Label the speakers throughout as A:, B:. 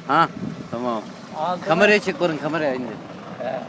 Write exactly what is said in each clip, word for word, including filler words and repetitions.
A: Ha tamam.
B: Aldı
A: Kameraya çek barın kameraya indi.
B: He.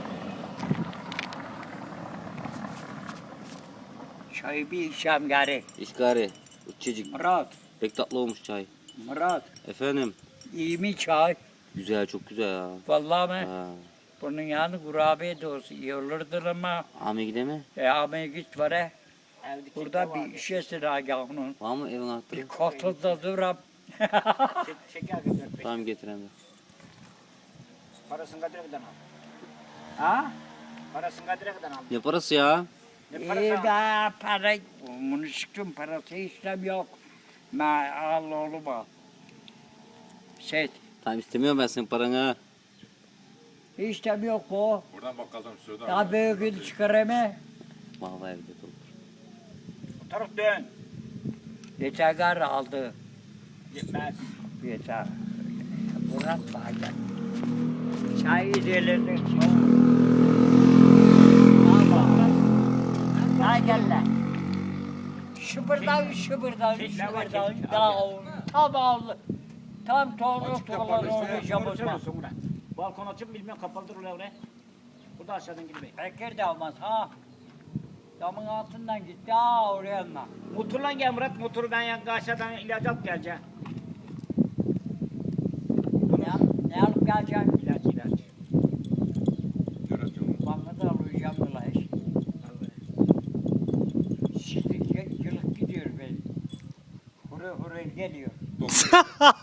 B: Çayı bir içeceğim gari.
A: İşgari. Uçacık.
B: Murat,
A: Pek tatlı olmuş çay.
B: Murat.
A: Efendim.
B: İyi mi çay?
A: Güzel çok güzel ya.
B: Vallahi mi?
A: Ha.
B: Bunun yanı kurabiye de olsun iyi olurdur ama.
A: Ami gide mi?
B: E ama git var he. Burada bir işesin aga onun.
A: Var mı evin anahtarı?
B: Bir kotoda duram.
C: Şeker götür.
A: Tamam getireyim.
C: Parasını kadar kadar al.
B: Ha?
C: Parasını kadar kadar al.
A: Ne parası ya?
C: Ne
B: İyi
C: parası al?
B: be para. Bunu çıktım parası işlem yok. Ma al oğlum al. Set.
A: Tamam istemiyorum ben senin paranı.
B: İşlem yok bu.
D: Buradan bakkaldan söyle.
B: Daha büyüğünü çıkarama.
A: Vallahi evde olur.
C: Bu taraf dön.
B: Yeter gar aldı.
C: Gitmez.
B: Yeter. Murat bazen. Çay ilerledik. Ay gel lan. Şıbırdan şıbırdan
C: Çek lan,
B: şıbırdan.
C: çek.
B: Daha tam aldı. Tam doğru
D: Açık
B: tuğlar
D: kapalı işte.
B: oynayacağım o zaman.
C: Söylüyorsun Murat. Balkon açıp bilmem kapalıdır oraya oraya. Burada aşağıdan girmeyin.
B: Bekir de olmaz ha. Damın altından gitti ha oraya mı?
C: Motorla gel Murat. Motoru ben yan aşağıdan ilaç alıp geleceğim.
B: Ne, ne alıp geleceksin?
C: İlaç ilaç.
B: Bana da alacağım da hiç. Şimdi yılık gidiyor ben. Hurra hurra geliyor.